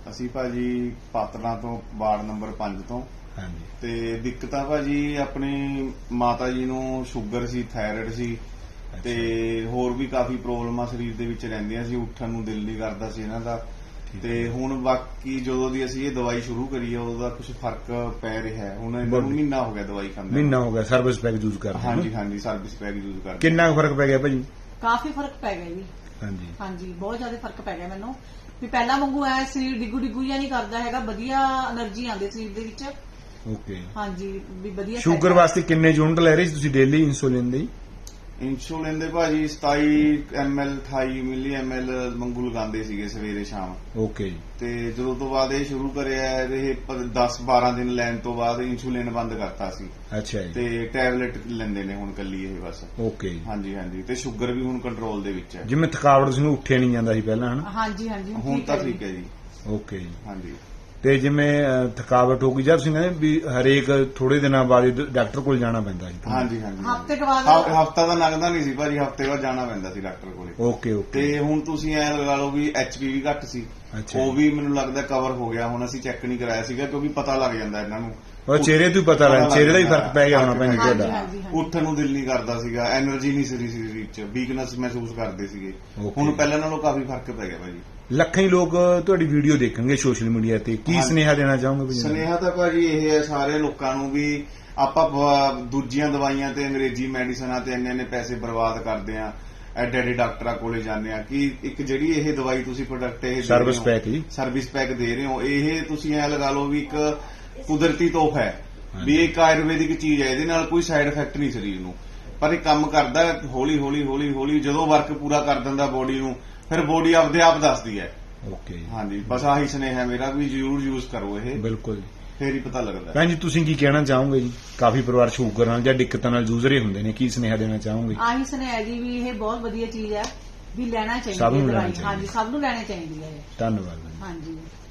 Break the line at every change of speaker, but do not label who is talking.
ਅਸੀਂ ਭਾਜੀ ਪਾਤੜਾਂ ਤੋਂ ਵਾਰਡ ਨੰਬਰ 5 ਤੋਂ।
ਹਾਂਜੀ।
ਤੇ ਦਿੱਕਤਾਂ ਭਾਜੀ ਆਪਣੀ ਮਾਤਾ ਜੀ ਨੂੰ ਸ਼ੂਗਰ ਸੀ, ਥਾਇਰਾਇਡ ਸੀ ਤੇ ਹੋਰ ਵੀ ਕਾਫੀ ਪ੍ਰੋਬਲਮਾਂ ਸਰੀਰ ਦੇ ਵਿੱਚ ਰਹਿੰਦੀਆਂ ਸੀ। ਉੱਠਣ ਨੂੰ ਦਿਲ ਨਹੀਂ ਕਰਦਾ ਸੀ ਇਹਨਾਂ ਦਾ। ਤੇ ਹੁਣ ਬਾਕੀ ਜਦੋਂ ਦੀ ਅਸੀਂ ਇਹ ਦਵਾਈ ਸ਼ੁਰੂ ਕਰੀ ਆ ਉਹਦਾ ਕੁਝ ਫਰਕ ਪੈ ਰਿਹਾ ਹੈ। ਹੁਣ ਇਹਨਾਂ ਨੂੰ ਮਹੀਨਾ ਹੋ ਗਿਆ ਦਵਾਈ ਖਾਂਦੇ।
ਮਹੀਨਾ ਹੋ ਗਿਆ ਸਰਵਿਸ ਪੈਕ ਯੂਜ਼ ਕਰਦੇ।
ਹਾਂਜੀ ਹਾਂਜੀ, ਸਰਵਿਸ ਪੈਕ ਯੂਜ਼ ਕਰਦੇ।
ਕਿੰਨਾ ਕੁ ਫਰਕ ਪੈ ਗਿਆ ਭਾਜੀ?
ਕਾਫੀ ਫਰਕ ਪੈ ਗਿਆ ਜੀ।
ਹਾਂਜੀ
ਹਾਂਜੀ, ਬਹੁਤ ਜ਼ਿਆਦਾ ਫਰਕ ਪੈ ਗਿਆ ਮੈਨੂੰ। ਵੀ ਪਹਿਲਾਂ ਵਾਂਗੂ ਐ ਸਰੀਰ ਡਿੱਗੂ ਜਿਹਾ ਨਹੀਂ ਕਰਦਾ ਹੈਗਾ, ਵਧੀਆ ਐਨਰਜੀ ਆਉਂਦੀ ਸਰੀਰ ਦੇ ਵਿੱਚ।
ਓਕੇ।
ਹਾਂਜੀ, ਵੀ ਵਧੀਆ।
ਸ਼ੂਗਰ ਵਾਸਤੇ ਕਿੰਨੇ ਯੂਨਿਟ ਲੈ ਰਹੇ ਸੀ ਤੁਸੀਂ ਡੇਲੀ ਇੰਸੂਲਿਨ ਦੀ?
ਇੰਸੂਲਿਨ ਦੇ ਭਾਜੀ 27 ml 28 ਮਿਲੀ ml ਮੰਗੂ ਲਗਾਉਂਦੇ ਸੀਗੇ ਸਵੇਰੇ ਸ਼ਾਮ।
ਓਕੇ।
ਤੇ ਜਦੋਂ ਤੋਂ ਬਾਅਦ ਇਹ ਸ਼ੁਰੂ ਕਰਿਆ ਇਹ 10-12 ਦਿਨ ਲੈਣ ਤੋਂ ਬਾਅਦ ਇੰਸੂਲਿਨ ਬੰਦ ਕਰਤਾ ਸੀ।
ਅੱਛਾ ਜੀ।
ਤੇ ਟੈਬਲੇਟ ਲੈਂਦੇ ਨੇ ਹੁਣ ਕੱਲੀ ਇਹ ਬਸ।
ਓਕੇ।
ਹਾਂਜੀ ਹਾਂਜੀ, ਤੇ ਸ਼ੂਗਰ ਵੀ ਹੁਣ ਕੰਟਰੋਲ ਦੇ ਵਿੱਚ ਹੈ।
ਜਿਵੇਂ ਥਕਾਵਟ ਸੀ ਉੱਠਿਆ ਨਹੀਂ ਜਾਂਦਾ ਸੀ ਪਹਿਲਾਂ, ਹਨਾ?
ਹਾਂਜੀ ਹਾਂਜੀ,
ਹੁਣ ਤਾਂ ਠੀਕ ਹੈ ਜੀ।
ਓਕੇ ਜੀ।
ਹਾਂਜੀ।
ਤੇ ਜਿਵੇਂ ਥਕਾਵਟ ਹੋ ਗਈ ਜਦ ਤੁਸੀਂ ਕਹਿੰਦੇ ਵੀ ਹਰੇਕ ਥੋੜੇ ਦਿਨਾਂ ਬਾਅਦ ਡਾਕਟਰ ਕੋਲ ਜਾਣਾ ਪੈਂਦਾ ਸੀ?
ਹਾਂਜੀ ਹਾਂਜੀ,
ਹਫ਼ਤੇ ਕੇ ਬਾਅਦ।
ਹਫ਼ਤਾ ਤਾਂ ਲੱਗਦਾ ਨਹੀਂ ਸੀ ਭਾਜੀ, ਹਫ਼ਤੇ ਬਾਅਦ ਜਾਣਾ ਪੈਂਦਾ ਸੀ ਡਾਕਟਰ ਕੋਲੇ।
Okay okay.
ਤੇ ਹੁਣ ਤੁਸੀਂ ਐ ਲਗਾ ਲਓ ਵੀ ਐਚਪੀ ਵੀ ਘੱਟ ਸੀ, ਉਹ ਵੀ ਮੈਨੂੰ ਲੱਗਦਾ ਕਵਰ ਹੋ ਗਿਆ। ਹੁਣ ਅਸੀਂ ਚੈੱਕ ਨਹੀਂ ਕਰਾਇਆ ਸੀਗਾ ਕਿਉਂਕਿ ਪਤਾ ਲੱਗ ਜਾਂਦਾ ਇਹਨਾਂ ਨੂੰ।
ਉਹ ਚਿਹਰੇ ਤੋਂ ਹੀ ਪਤਾ ਲੱਗ, ਚਿਹਰੇ ਦਾ ਹੀ ਫਰਕ ਪੈ ਗਿਆ ਹੋਣਾ ਭੈਣ ਜੀ ਤੁਹਾਡਾ।
ਉੱਠਣ ਨੂੰ ਦਿਲ ਨਹੀਂ ਕਰਦਾ ਸੀਗਾ, ਐਨਰਜੀ ਨਹੀਂ ਸੀ ਸਰੀਰ 'ਚ, ਵੀਕਨੈਸ ਮਹਿਸੂਸ ਕਰਦੇ ਸੀਗੇ।
Okay.
ਹੁਣ ਪਹਿਲਾਂ ਨਾਲੋਂ ਕਾਫੀ ਫਰਕ ਪੈ ਗਿਆ ਭਾਜੀ।
ਲੱਖਾਂ ਹੀ ਲੋਕ ਤੁਹਾਡੀ ਵੀਡੀਓ ਦੇਖਣਗੇ ਸੋਸ਼ਲ ਮੀਡੀਆ ਤੇ, ਕੀ ਸੁਨੇਹਾ ਦੇਣਾ ਚਾਹੋਗੇ?
ਸੁਨੇਹਾ ਤਾਂ ਭਾਜੀ ਇਹ ਹੈ ਸਾਰੇ ਲੋਕਾਂ ਨੂੰ ਵੀ ਆਪਾਂ ਦੂਜੀਆਂ ਦਵਾਈਆਂ ਤੇ ਅੰਗਰੇਜ਼ੀ ਮੈਡੀਸਨਾਂ ਤੇ ਇੰਨੇ ਪੈਸੇ ਬਰਬਾਦ ਕਰਦੇ ਆ, ਐਡੇ ਡਾਕਟਰਾਂ ਕੋਲੇ ਜਾਂਦੇ ਆ ਕਿ ਇੱਕ ਜਿਹੜੀ ਇਹ ਦਵਾਈ ਤੁਸੀਂ ਪ੍ਰੋਡਕਟ ਇਹ
ਸਰਵਿਸ ਪੈਕ ਹੀ
ਸਰਵਿਸ ਪੈਕ ਦੇ ਰਹੇ ਹੋ, ਇਹ ਤੁਸੀਂ ਐ ਲਗਾ ਲਓ ਵੀ ਇੱਕ ਕੁਦਰਤੀ ਤੋਹਫਾ ਹੈ ਵੀ ਇਹ ਇੱਕ ਆਯੁਰਵੈਦਿਕ ਚੀਜ਼ ਹੈ, ਇਹਦੇ ਨਾਲ ਕੋਈ ਸਾਈਡ ਇਫੈਕਟ ਨਹੀਂ ਸਰੀਰ ਨੂੰ, ਪਰ ਇਹ ਕੰਮ ਕਰਦਾ ਹੌਲੀ ਹੌਲੀ ਹੌਲੀ ਹੌਲੀ। ਜਦੋਂ ਵਰਕ ਪੂਰਾ ਕਰ ਦਿੰਦਾ ਬੋਡੀ ਨੂੰ, ਫਿਰ ਬੋਡੀ ਆਪਦੇ ਆਪ ਦੱਸਦੀ ਹੈ।
ਓਕੇ।
ਹਾਂਜੀ, ਬਸ ਆਹੀ ਸੁਨੇਹਾ ਮੇਰਾ ਵੀ ਜ਼ਰੂਰ ਯੂਜ਼ ਕਰੋ ਇਹ,
ਬਿਲਕੁਲ,
ਫੇਰ ਹੀ ਪਤਾ ਲੱਗਦਾ।
ਭੈਣ ਜੀ ਤੁਸੀਂ ਕੀ ਕਹਿਣਾ ਚਾਹੋਗੇ ਜੀ? ਕਾਫੀ ਪਰਿਵਾਰ ਸ਼ੂਗਰ ਨਾਲ ਜਾਂ ਦਿੱਕਤਾਂ ਨਾਲ ਜੂਝ ਰਹੇ ਹੁੰਦੇ ਨੇ, ਕੀ ਸੁਨੇਹਾ ਦੇਣਾ ਚਾਹੋਗੇ?
ਆਹੀ ਸੁਨੇਹਾ ਜੀ ਵੀ ਇਹ ਬਹੁਤ ਵਧੀਆ ਚੀਜ਼ ਹੈ, ਵੀ ਲੈਣਾ ਚਾਹੀਦੀ
ਸਭ ਨੂੰ
ਹੈ
ਲੈਣੀ
ਦਵਾਈ। ਹਾਂਜੀ, ਸਭ ਨੂੰ ਲੈਣੀ ਚਾਹੀਦੀ ਹੈ।
ਧੰਨਵਾਦ।
ਹਾਂਜੀ।